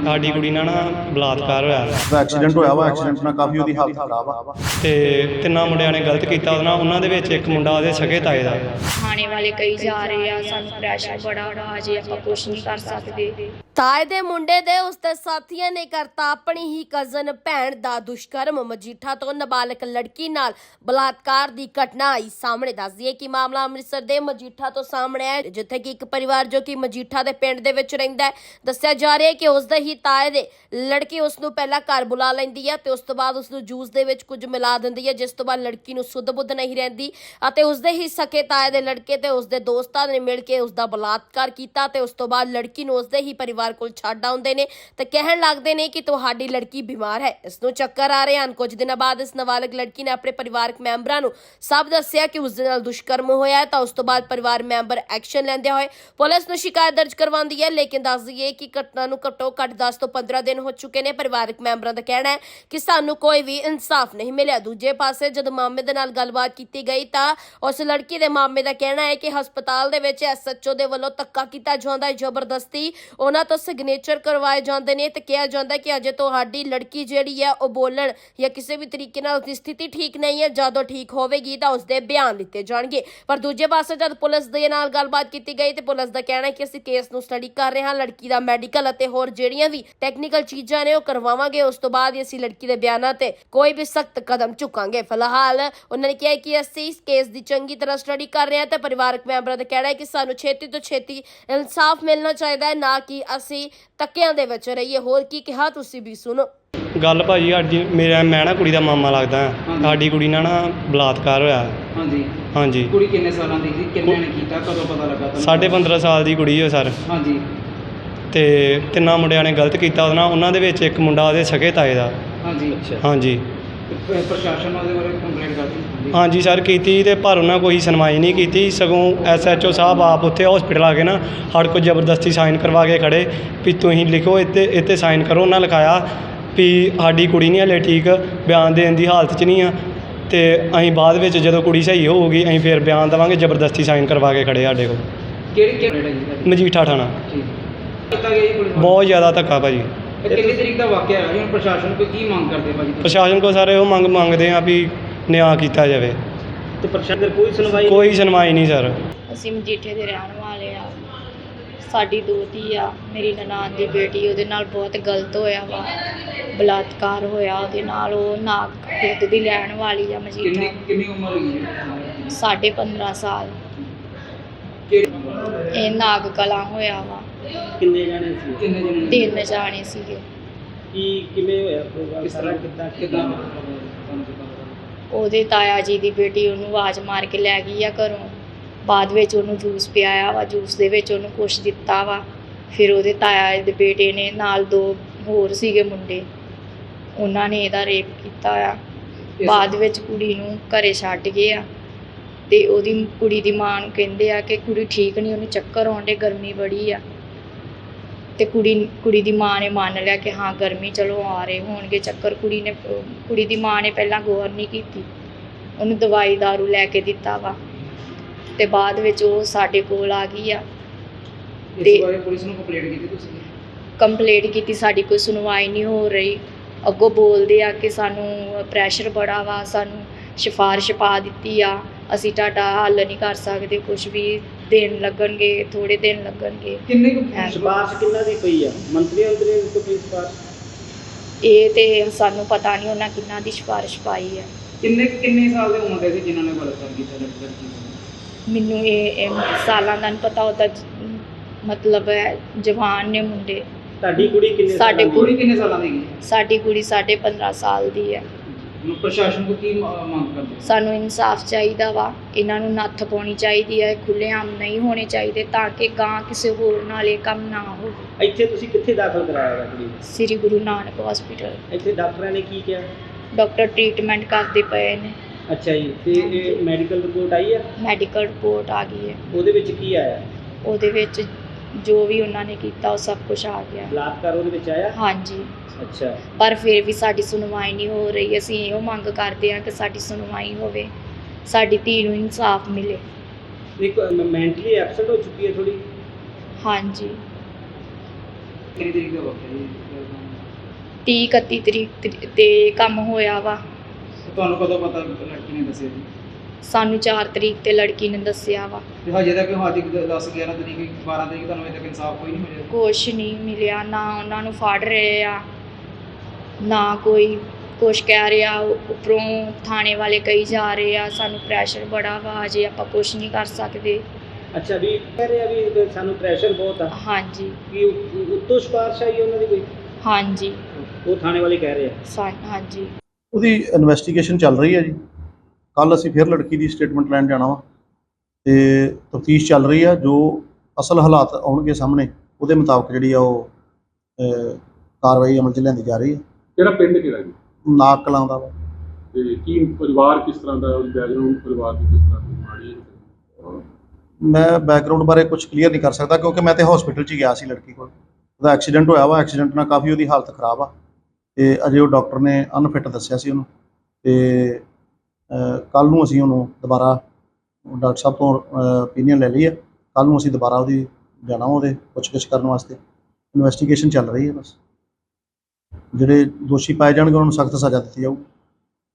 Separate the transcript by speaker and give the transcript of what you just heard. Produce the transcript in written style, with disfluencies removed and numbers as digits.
Speaker 1: ਸਾਡੀ ਕੁੜੀ ਨਾਲ ਨਾ ਬਲਾਤਕਾਰ ਹੋਇਆ
Speaker 2: ਦਾ ਐਕਸੀਡੈਂਟ ਹੋਇਆ ਵਾ। ਐਕਸੀਡੈਂਟ ਨਾਲ ਕਾਫੀ ਉਹਦੀ ਹਾਲਤ ਖਰਾਬ ਆ
Speaker 1: ਤੇ ਤਿੰਨਾਂ ਮੁੰਡਿਆਂ ਨੇ ਗਲਤ ਕੀਤਾ ਉਹਦੇ ਨਾਲ। ਉਹਨਾਂ ਦੇ ਵਿੱਚ ਇੱਕ ਮੁੰਡਾ ਉਹਦੇ ਸਕੇ ਤਾਏ ਦਾ।
Speaker 3: ਥਾਣੇ ਵਾਲੇ ਕਈ ਜਾ ਰਹੇ ਆ, ਸਾਨੂੰ ਪ੍ਰੈਸ਼ਰ ਬੜਾ ਵਾ, ਅਜੇ ਆਪਾਂ ਕੁਛ ਨਹੀਂ ਕਰ ਸਕਦੇ।
Speaker 4: ਤਾਏ ਦੇ ਮੁੰਡੇ ਦੇ ਉਸਦੇ ਸਾਥੀਆਂ ਨੇ ਕਰਤਾ ਆਪਣੀ ਹੀ ਕਜ਼ਨ ਭੈਣ ਦਾ ਦੁਸ਼ਕਰਮ। ਮਜੀਠਾ ਤੋਂ ਨਾਬਾਲਗ ਲੜਕੀ ਨਾਲ ਬਲਾਤਕਾਰ ਦੀ ਘਟਨਾ ਆਈ ਸਾਹਮਣੇ। ਦੱਸ ਦਈਏ ਕਿ ਮਾਮਲਾ ਅੰਮ੍ਰਿਤਸਰ ਦੇ ਮਜੀਠਾ ਤੋਂ ਸਾਹਮਣੇ ਆਇਆ, ਜਿੱਥੇ ਕਿ ਇੱਕ ਪਰਿਵਾਰ ਜੋ ਕਿ ਮਜੀਠਾ ਦੇ ਪਿੰਡ ਦੇ ਵਿੱਚ ਰਹਿੰਦਾ ਹੈ, ਦੱਸਿਆ ਜਾ ਰਿਹਾ ਹੈ ਕਿ ਉਸਦੇ ਹੀ ਤਾਏ ਦੇ ਲੜਕੀ ਉਸ ਨੂੰ ਪਹਿਲਾਂ ਘਰ ਬੁਲਾ ਲੈਂਦੀ ਹੈ ਤੇ ਉਸ ਤੋਂ ਬਾਅਦ ਉਸ ਨੂੰ ਜੂਸ ਦੇ ਵਿੱਚ ਕੁਝ ਮਿਲਾ ਦਿੰਦੀ ਹੈ, ਜਿਸ ਤੋਂ ਬਾਅਦ ਲੜਕੀ ਨੂੰ ਸੁੱਧ ਬੁੱਧ ਨਹੀਂ ਰਹਿੰਦੀ ਅਤੇ ਉਸਦੇ ਹੀ ਸਕੇ ਤਾਏ ਦੇ ਲੜਕੇ ਤੇ ਉਸਦੇ ਦੋਸਤਾਂ ਨੇ ਮਿਲ ਕੇ ਉਸਦਾ ਬਲਾਤਕਾਰ ਕੀਤਾ ਤੇ ਉਸ ਤੋਂ ਬਾਅਦ ਲੜਕੀ ਨੂੰ ਉਸਦੇ ਹੀ ਪਰਿਵਾਰ ਕੋਲ ਛੱਡ ਆਉਂਦੇ ਨੇ ਤੇ ਕਹਿਣ ਲੱਗਦੇ ਨੇ ਕਿ ਤੁਹਾਡੀ ਲੜਕੀ ਬਿਮਾਰ ਹੈ, ਇਸ ਨੂੰ ਚੱਕਰ ਆ ਰਹੇ ਹਨ। ਕੁਝ ਦਿਨਾਂ ਬਾਅਦ ਇਸ ਨਾਬਾਲਗ ਲੜਕੀ ਨੇ ਆਪਣੇ ਪਰਿਵਾਰਕ ਮੈਂਬਰਾਂ ਨੂੰ ਸਭ ਦੱਸਿਆ ਕਿ ਉਸ ਦੇ ਨਾਲ ਦੁਸ਼ਕਰਮ ਹੋਇਆ ਹੈ ਤਾਂ ਉਸ ਤੋਂ ਬਾਅਦ ਪਰਿਵਾਰ ਮੈਂਬਰ ਐਕਸ਼ਨ ਲੈਂਦੇ ਹੋਏ ਪੁਲਿਸ ਨੂੰ ਸ਼ਿਕਾਇਤ ਦਰਜ ਕਰਵਾਉਂਦੀ ਹੈ। ਲੇਕਿਨ ਦੱਸ ਦਈਏ ਕਿ ਘਟਨਾ ਨੂੰ ਘੱਟੋ ਘੱਟ 10 ਤੋਂ 15 ਦਿਨ ਹੋ ਚੁੱਕੇ ਨੇ। ਪਰਿਵਾਰਕ ਮੈਂਬਰਾਂ ਦਾ ਕਹਿਣਾ ਹੈ ਕਿ ਸਾਨੂੰ ਕੋਈ ਵੀ ਇਨਸਾਫ ਨਹੀਂ ਮਿਲਿਆ। ਦੂਜੇ ਪਾਸੇ ਜਦ ਮਾਮੇ ਦੇ ਨਾਲ ਗੱਲਬਾਤ ਕੀਤੀ ਗਈ ਤਾਂ ਉਸ ਲੜਕੀ ਦੇ ਮਾਮੇ ਦਾ ਕਹਿਣਾ ਹੈ ਕਿ ਹਸਪਤਾਲ ਦੇ ਵਿੱਚ ਐਸਐਚਓ ਦੇ ਵੱਲੋਂ ਧੱਕਾ ਕੀਤਾ ਜਾਂਦਾ ਹੈ, ਜ਼ਬਰਦਸਤੀ ਉਹਨਾਂ ਤੋਂ ਸਿਗਨੇਚਰ ਕਰਵਾਏ ਜਾਂਦੇ ਨੇ ਤੇ ਕਿਹਾ ਜਾਂਦਾ ਕਿ ਅਜੇ ਤੁਹਾਡੀ ਲੜਕੀ ਜਿਹੜੀ ਹੈ ਉਹ ਬੋਲਣ ਜਾਂ ਕਿਸੇ ਵੀ ਤਰੀਕੇ ਨਾਲ ਉਸਦੀ ਸਥਿਤੀ ਠੀਕ ਨਹੀਂ ਹੈ, ਜਦੋਂ ਠੀਕ ਹੋਵੇਗੀ ਤਾਂ ਉਸਦੇ ਬਿਆਨ ਲਿੱਤੇ ਜਾਣਗੇ। ਪਰ ਦੂਜੇ ਪਾਸੇ ਜਦ ਪੁਲਿਸ ਦੇ ਨਾਲ ਗੱਲਬਾਤ ਕੀਤੀ ਗਈ ਤੇ ਪੁਲਿਸ ਦਾ ਕਹਿਣਾ ਹੈ ਕਿ ਅਸੀਂ ਕੇਸ ਨੂੰ ਸਟੱਡੀ ਕਰ ਰਹੇ ਹਾਂ, ਲੜਕੀ ਦਾ ਮੈਡੀਕਲ ਅਤੇ ਹੋਰ ਜਿਹੜੀਆਂ ਵੀ ਟੈਕਨੀਕਲ ਚੀਜ਼ਾਂ ਨੇ ਉਹ ਕਰਵਾਵਾਂਗੇ, ਉਸ ਤੋਂ ਬਾਅਦ ਹੀ ਅਸੀਂ ਲੜਕੀ ਦੇ ਬਿਆਨਾਂ ਤੇ ਕੋਈ ਵੀ ਸਖਤ ਕਦਮ ਚੁੱਕਾਂਗੇ। ਫਿਲਹਾਲ ਉਹਨਾਂ ਨੇ ਕਿਹਾ ਕਿ ਅਸੀਂ ਇਸ ਕੇਸ ਦੀ ਚੰਗੀ ਤਰ੍ਹਾਂ ਸਟੱਡੀ ਕਰ ਰਹੇ ਹਾਂ ਤੇ ਪਰਿਵਾਰਕ ਮੈਂਬਰਾਂ ਦਾ ਕਹਿਣਾ ਹੈ ਕਿ ਸਾਨੂੰ ਛੇਤੀ ਤੋਂ ਛੇਤੀ ਇਨਸਾਫ ਮਿਲਣਾ ਚਾਹੀਦਾ ਹੈ, ਨਾ ਕਿ ਅਸੀਂ ਧੱਕਿਆਂ ਦੇ ਵਿੱਚ ਰਹੀਏ। ਹੋਰ ਕੀ ਕਿਹਾ ਤੁਸੀਂ ਵੀ ਸੁਣੋ।
Speaker 1: ਗੱਲ ਭਾਜੀ ਸਾਡੀ ਮੈਂ ਨਾ ਕੁੜੀ ਦਾ ਮਾਮਾ ਲੱਗਦਾ ਹਾਂ। ਸਾਡੀ ਕੁੜੀ ਨਾਲ ਨਾ ਬਲਾਤਕਾਰ ਹੋਇਆ।
Speaker 5: ਹਾਂਜੀ
Speaker 1: ਹਾਂਜੀ।
Speaker 5: ਕੁੜੀ ਕਿੰਨੇ ਸਾਲਾਂ ਦੀ ਸੀ? ਕਿੰਨੇ ਨੇ ਕੀਤਾ? ਕਦੋਂ ਪਤਾ ਲੱਗਾ ਤੁਹਾਨੂੰ?
Speaker 1: 15.5 ਸਾਲ ਦੀ ਕੁੜੀ ਹੈ ਸਰ।
Speaker 5: ਹਾਂਜੀ।
Speaker 1: ਤੇ ਤਿੰਨਾਂ ਮੁੰਡਿਆਂ ਨੇ ਗਲਤ ਕੀਤਾ ਉਹਦੇ ਨਾਲ। ਉਹਨਾਂ ਦੇ ਵਿੱਚ ਇੱਕ ਮੁੰਡਾ ਉਹਦੇ ਸਕੇ ਤਾਏ ਦਾ।
Speaker 5: ਹਾਂਜੀ।
Speaker 1: ਹਾਂਜੀ।
Speaker 5: ਪ੍ਰਸ਼ਾਸਨ ਉਹਦੇ ਬਾਰੇ ਕੰਪਲੇਂਟ ਕਰਤੀ?
Speaker 1: ਹਾਂਜੀ ਸਰ ਕੀਤੀ ਤੇ ਪਰ ਉਹਨਾਂ ਕੋਈ ਸੁਣਵਾਈ ਨਹੀਂ ਕੀਤੀ। ਸਗੋਂ ਐਸਐਚਓ ਸਾਹਿਬ ਆਪ ਉੱਥੇ ਹਸਪੀਟਲ ਆ ਕੇ ਨਾ ਸਾਡੇ ਕੋਲ ਜ਼ਬਰਦਸਤੀ ਸਾਈਨ ਕਰਵਾ ਕੇ ਖੜੇ ਵੀ ਤੁਸੀਂ ਲਿਖੋ, ਇੱਥੇ ਸਾਈਨ ਕਰੋ। ਉਹਨਾਂ ਲਿਖਾਇਆ ਵੀ ਸਾਡੀ ਕੁੜੀ ਨਹੀਂ ਹਲੇ ਠੀਕ, ਬਿਆਨ ਦੇਣ ਦੀ ਹਾਲਤ 'ਚ ਨਹੀਂ ਆ ਤੇ ਅਸੀਂ ਬਾਅਦ ਵਿੱਚ ਜਦੋਂ ਕੁੜੀ ਸਹੀ ਹੋਊਗੀ ਅਸੀਂ ਫਿਰ ਬਿਆਨ ਦੇਵਾਂਗੇ। ਜ਼ਬਰਦਸਤੀ ਸਾਈਨ ਕਰਵਾ ਕੇ ਖੜੇ ਸਾਡੇ ਕੋਲ।
Speaker 5: ਕਿਹੜੀ
Speaker 1: ਮਜੀਠਾ ਥਾਣਾ।
Speaker 5: ਠੀਕ ਕੀਤਾ ਗਿਆ ਜੀ ਪੁਲਿਸ?
Speaker 1: ਬਹੁਤ ਜ਼ਿਆਦਾ ਧੱਕਾ ਭਾਜੀ।
Speaker 5: ਕਿੰਨੀ ਤਰੀਕ ਦਾ ਵਾਕਿਆ ਹੈ? ਹੁਣ ਪ੍ਰਸ਼ਾਸਨ ਕੋਲ ਕੀ ਮੰਗ ਕਰਦੇ ਭਾਜੀ?
Speaker 1: ਪ੍ਰਸ਼ਾਸਨ ਕੋਲ ਸਾਰੇ ਉਹ ਮੰਗਦੇ ਆ ਵੀ ਨਿਆਂ ਕੀਤਾ ਜਾਵੇ।
Speaker 5: ਤੇ ਪ੍ਰਸ਼ਾਸਨ
Speaker 1: ਕੋਈ ਸੁਣਵਾਈ ਨਹੀਂ ਸਰ।
Speaker 3: ਅਸੀਂ ਮਜੀਠੇ ਦੇ ਰਹਿਣ ਵਾਲੇ ਆ। ਸਾਡੀ ਦੋਤੀ ਆ, ਮੇਰੀ ਨਨਾਣ ਦੀ ਬੇਟੀ, ਉਹਦੇ ਨਾਲ ਬਹੁਤ ਗਲਤ ਹੋਇਆ ਵਾ, ਬਲਾਤਕਾਰ ਹੋਇਆ ਉਹਦੇ ਨਾਲ। ਉਹ ਨਾਗ ਖੁਦ ਦੀ ਲੈਣ ਵਾਲੀ ਆ ਮਜੀਠਾ।
Speaker 5: ਕਿੰਨੀ ਉਮਰ ਹੋਈ ਹੈ?
Speaker 3: 15.5 ਸਾਲ। ਇਹ ਨਾਗ ਕਲਾਂ ਹੋਇਆ ਵਾ।
Speaker 5: ਕਿੰਨੇ ਜਾਣੇ ਸੀ?
Speaker 3: 3 ਜਾਣੇ ਸੀਗੇ।
Speaker 5: ਕਿਵੇਂ ਹੋਇਆ ਪ੍ਰੋਗਰਾਮ? ਕਿਸ ਤਰ੍ਹਾਂ ਕਿੱਦਾਂ?
Speaker 3: ਉਹਦੇ ਤਾਇਆ ਜੀ ਦੀ ਬੇਟੀ ਉਹਨੂੰ ਆਵਾਜ਼ ਮਾਰ ਕੇ ਲੈ ਗਈ ਆ ਘਰੋਂ। ਬਾਅਦ ਵਿੱਚ ਉਹਨੂੰ ਜੂਸ ਪਿਆਇਆ ਵਾ, ਜੂਸ ਦੇ ਵਿੱਚ ਉਹਨੂੰ ਕੁਛ ਦਿੱਤਾ ਵਾ। ਫਿਰ ਉਹਦੇ ਤਾਇਆ ਦੇ ਬੇਟੇ ਨੇ ਨਾਲ 2 ਹੋਰ ਸੀਗੇ ਮੁੰਡੇ, ਉਹਨਾਂ ਨੇ ਇਹਦਾ ਰੇਪ ਕੀਤਾ ਆ। ਬਾਅਦ ਵਿੱਚ ਕੁੜੀ ਨੂੰ ਘਰੇ ਛੱਡ ਗਏ ਆ ਤੇ ਉਹਦੀ ਕੁੜੀ ਦੀ ਮਾਂ ਨੂੰ ਕਹਿੰਦੇ ਆ ਕਿ ਕੁੜੀ ਠੀਕ ਨਹੀਂ, ਉਹਨੂੰ ਚੱਕਰ ਆਉਣ ਡੇ, ਗਰਮੀ ਬੜੀ ਆ। ਤੇ ਕੁੜੀ ਦੀ ਮਾਂ ਨੇ ਮੰਨ ਲਿਆ ਕਿ ਹਾਂ ਗਰਮੀ, ਚਲੋ ਆ ਰਹੇ ਹੋਣਗੇ ਚੱਕਰ। ਕੁੜੀ ਦੀ ਮਾਂ ਨੇ ਪਹਿਲਾਂ ਗੌਰ ਨਹੀਂ ਕੀਤੀ, ਉਹਨੂੰ ਦਵਾਈ ਦਾਰੂ ਲੈ ਕੇ ਦਿੱਤਾ ਵਾ ਤੇ ਬਾਅਦ ਵਿੱਚ ਉਹ ਸਾਡੇ ਕੋਲ ਆ ਗਈ ਆ।
Speaker 5: ਤੇ ਪੁਲਿਸ ਨੂੰ ਕੰਪਲੇਂਟ ਕੀਤੀ ਤੁਸੀਂ?
Speaker 3: ਕੰਪਲੇਂਟ ਕੀਤੀ, ਸਾਡੀ ਕੋਈ ਸੁਣਵਾਈ ਨਹੀਂ ਹੋ ਰਹੀ। ਅੱਗੋਂ ਬੋਲਦੇ ਆ ਕਿ ਸਾਨੂੰ ਪ੍ਰੈਸ਼ਰ ਬੜਾ ਵਾ, ਸਾਨੂੰ ਸਿਫਾਰਿਸ਼ ਪਾ ਦਿੱਤੀ ਆ, ਅਸੀਂ ਤੁਹਾਡਾ ਹੱਲ ਨਹੀਂ ਕਰ ਸਕਦੇ, ਕੁਝ ਵੀ ਦਿਨ ਲੱਗਣਗੇ, ਥੋੜੇ ਦਿਨ ਲੱਗਣਗੇ।
Speaker 5: ਕਿੰਨੇ ਸਿਫਾਰਿਸ਼ ਕਿੰਨਾ ਦੀ ਪਈ ਆ? ਮੰਤਰੀ ਤੋਂ ਕੀ ਸਿਫਾਰਿਸ਼?
Speaker 3: ਇਹ ਤੇ ਸਾਨੂੰ ਪਤਾ ਨਹੀਂ ਉਹਨਾਂ ਕਿੰਨਾ ਦੀ ਸਿਫਾਰਿਸ਼ ਪਾਈ ਹੈ।
Speaker 5: ਕਿੰਨੇ ਸਾਲ ਦੇ ਉਮਰ ਦੇ ਸੀ ਜਿਨ੍ਹਾਂ ਨੇ ਬਲਾਤਕਾਰ ਕੀਤਾ ਲੜਕੀ?
Speaker 3: ਮੈਨੂੰ ਇਹ ਸਾਲਾਂ ਦਾ ਨਹੀਂ ਪਤਾ, ਉਹਦਾ ਮਤਲਬ ਹੈ ਜਵਾਨ ਨੇ ਮੁੰਡੇ।
Speaker 5: ਤੁਹਾਡੀ ਕੁੜੀ ਕਿੰਨੇ ਸਾਲਾਂ ਦੀ ਹੈ?
Speaker 3: ਸਾਡੀ ਕੁੜੀ 15.5 ਸਾਲ ਦੀ ਹੈ।
Speaker 5: ਪ੍ਰਸ਼ਾਸਨ ਕੋ ਕੀ ਮੰਗ ਕਰਦੇ?
Speaker 3: ਸਾਨੂੰ ਇਨਸਾਫ ਚਾਹੀਦਾ ਵਾ, ਇਹਨਾਂ ਨੂੰ ਨੱਥ ਪਾਉਣੀ ਚਾਹੀਦੀ ਹੈ, ਖੁੱਲ੍ਹੇਆਮ ਨਹੀਂ ਹੋਣੇ ਚਾਹੀਦੇ ਤਾਂ ਕਿ ਗਾਂ ਕਿਸੇ ਹੋਰ ਨਾਲ ਇਹ ਕੰਮ ਨਾ ਹੋਵੇ।
Speaker 5: ਇੱਥੇ ਤੁਸੀਂ ਕਿੱਥੇ ਦਾਖਲ ਕਰਾਇਆ ਹੈ ਕੁੜੀ?
Speaker 3: ਸ੍ਰੀ ਗੁਰੂ ਨਾਨਕ ਹਸਪੀਟਲ।
Speaker 5: ਇੱਥੇ ਡਾਕਟਰਾਂ ਨੇ ਕੀ ਕਿਹਾ?
Speaker 3: ਡਾਕਟਰ ਟ੍ਰੀਟਮੈਂਟ ਕਰਦੇ ਪਏ ਨੇ।
Speaker 5: ਅੱਛਾ ਜੀ। ਤੇ ਇਹ ਮੈਡੀਕਲ ਰਿਪੋਰਟ ਆਈ ਹੈ?
Speaker 3: ਮੈਡੀਕਲ ਰਿਪੋਰਟ ਆ ਗਈ ਹੈ।
Speaker 5: ਉਹਦੇ ਵਿੱਚ ਕੀ ਆਇਆ?
Speaker 3: ਉਹਦੇ ਵਿੱਚ ਜੋ ਵੀ ਉਹਨਾਂ ਨੇ ਕੀਤਾ ਉਹ ਸਭ ਕੁਝ ਆ ਗਿਆ।
Speaker 5: ਬਲਾਤਕਾਰ ਉਹਦੇ ਵਿੱਚ ਆਇਆ?
Speaker 3: ਹਾਂਜੀ।
Speaker 5: ਅੱਛਾ।
Speaker 3: ਪਰ ਫਿਰ ਵੀ ਸਾਡੀ ਸੁਣਵਾਈ ਨਹੀਂ ਹੋ ਰਹੀ। ਅਸੀਂ ਇਹੋ ਮੰਗ ਕਰਦੇ ਹਾਂ ਕਿ ਸਾਡੀ ਸੁਣਵਾਈ ਹੋਵੇ, ਸਾਡੀ ਧੀ ਨੂੰ ਇਨਸਾਫ ਮਿਲੇ।
Speaker 5: ਇੱਕ ਮੈਂਟਲੀ ਐਬਸੈਂਟ ਹੋ ਚੁੱਕੀ ਹੈ ਥੋੜੀ?
Speaker 3: ਹਾਂਜੀ।
Speaker 5: ਕਿੰਨੀ ਤਰੀਕ ਦਾ ਵਕਤ ਹੈ ਜੀ
Speaker 3: 30 31 ਤਰੀਕ ਤੇ ਕੰਮ ਹੋਇਆ ਵਾ।
Speaker 5: ਤੁਹਾਨੂੰ ਕਦੋਂ ਪਤਾ ਲੜਕੀ ਨੇ ਦੱਸਿਆ ਜੀ?
Speaker 3: ਸਾਨੂੰ 4 ਤਰੀਕ ਤੇ ਲੜਕੀ ਨੇ ਦੱਸਿਆ ਵਾ।
Speaker 5: ਤੇ ਹਜੇ ਤੱਕ ਹਜੇ 10 11 ਤਰੀਕ 12 ਤਰੀਕ ਤੁਹਾਨੂੰ ਅਜੇ ਤੱਕ ਇਨਸਾਫ ਕੋਈ ਨਹੀਂ ਮਿਲਿਆ?
Speaker 3: ਕੁਛ ਨਹੀਂ ਮਿਲਿਆ, ਨਾ ਉਹਨਾਂ ਨੂੰ ਫੜ ਰਹੇ ਆ, ਨਾ ਕੋਈ ਕੁਛ ਕਹਿ ਰਿਹਾ। ਉੱਪਰੋਂ ਥਾਣੇ ਵਾਲੇ ਕਹੀ ਜਾ ਰਹੇ ਆ ਸਾਨੂੰ ਪ੍ਰੈਸ਼ਰ ਬੜਾ ਵਾ, ਅਜੇ ਆਪਾਂ ਕੁਛ ਨਹੀਂ ਕਰ ਸਕਦੇ।
Speaker 5: ਅੱਛਾ ਵੀ ਕਹਿ ਰਿਹਾ ਵੀ ਸਾਨੂੰ ਪ੍ਰੈਸ਼ਰ ਬਹੁਤ ਆ
Speaker 3: ਹਾਂਜੀ
Speaker 5: ਕਿ ਉੱਤੋਂ ਸਿਫਾਰਿਸ਼ ਆਈ ਉਹਨਾਂ ਦੀ ਕੋਈ?
Speaker 3: ਹਾਂਜੀ
Speaker 5: ਉਹ ਥਾਣੇ ਵਾਲੇ ਕਹਿ ਰਹੇ ਆ।
Speaker 3: ਹਾਂਜੀ
Speaker 2: ਉਹਦੀ ਇਨਵੈਸਟੀਗੇਸ਼ਨ ਚੱਲ ਰਹੀ ਹੈ ਜੀ। ਕੱਲ ਅਸੀਂ ਫਿਰ ਲੜਕੀ ਦੀ ਸਟੇਟਮੈਂਟ ਲੈਣ ਜਾਣਾ ਵਾ ਤੇ ਤਫਤੀਸ਼ ਚੱਲ ਰਹੀ ਆ। ਜੋ ਅਸਲ ਹਾਲਾਤ ਆਉਣਗੇ ਸਾਹਮਣੇ ਉਹਦੇ ਮੁਤਾਬਕ ਜਿਹੜੀ ਆ ਉਹ ਕਾਰਵਾਈ ਅਮਲ 'ਚ ਲਿਆਂਦੀ ਜਾ ਰਹੀ ਹੈ।
Speaker 6: ਕਿਹੜਾ ਪਿੰਡ ਕਿਹੜਾ ਜੀ?
Speaker 2: ਨਾਕ ਕਲਾਂ ਦਾ ਵਾ।
Speaker 6: ਤੇ ਕੀ ਪਰਿਵਾਰ ਕਿਸ ਤਰ੍ਹਾਂ ਦਾ, ਉਹਦੀ ਬੈਕਗ੍ਰਾਉਂਡ ਪਰਿਵਾਰ ਦੀ ਕਿਸ ਤਰ੍ਹਾਂ ਦੀ ਮਾੜੀ ਹੈ?
Speaker 2: ਮੈਂ ਬੈਕਗਰਾਊਂਡ ਬਾਰੇ ਕੁਝ ਕਲੀਅਰ ਨਹੀਂ ਕਰ ਸਕਦਾ ਕਿਉਂਕਿ ਮੈਂ ਤੇ ਹਸਪੀਟਲ 'ਚ ਹੀ ਗਿਆ ਸੀ ਲੜਕੀ ਕੋਲ। ਉਹਦਾ ਐਕਸੀਡੈਂਟ ਹੋਇਆ ਵਾ, ਐਕਸੀਡੈਂਟ ਨਾਲ ਕਾਫੀ ਉਹਦੀ ਹਾਲਤ ਖਰਾਬ ਆ ਤੇ ਅਜੇ ਉਹ ਡਾਕਟਰ ਨੇ ਅਨਫਿਟ ਦੱਸਿਆ ਸੀ ਉਹਨੂੰ। ਤੇ ਕੱਲ੍ਹ ਨੂੰ ਅਸੀਂ ਉਹਨੂੰ ਦੁਬਾਰਾ ਡਾਕਟਰ ਸਾਹਿਬ ਤੋਂ ਓਪੀਨੀਅਨ ਲੈ ਲਈ ਹੈ। ਕੱਲ੍ਹ ਨੂੰ ਅਸੀਂ ਦੁਬਾਰਾ ਉਹਦੀ ਜਾਣਾ ਉਹਦੇ ਪੁੱਛਗਿੱਛ ਕਰਨ ਵਾਸਤੇ। ਇਨਵੈਸਟੀਗੇਸ਼ਨ ਚੱਲ ਰਹੀ ਹੈ। ਬਸ ਜਿਹੜੇ ਦੋਸ਼ੀ ਪਾਏ ਜਾਣਗੇ ਉਹਨਾਂ ਨੂੰ ਸਖਤ ਸਜ਼ਾ ਦਿੱਤੀ ਜਾਊਗੀ।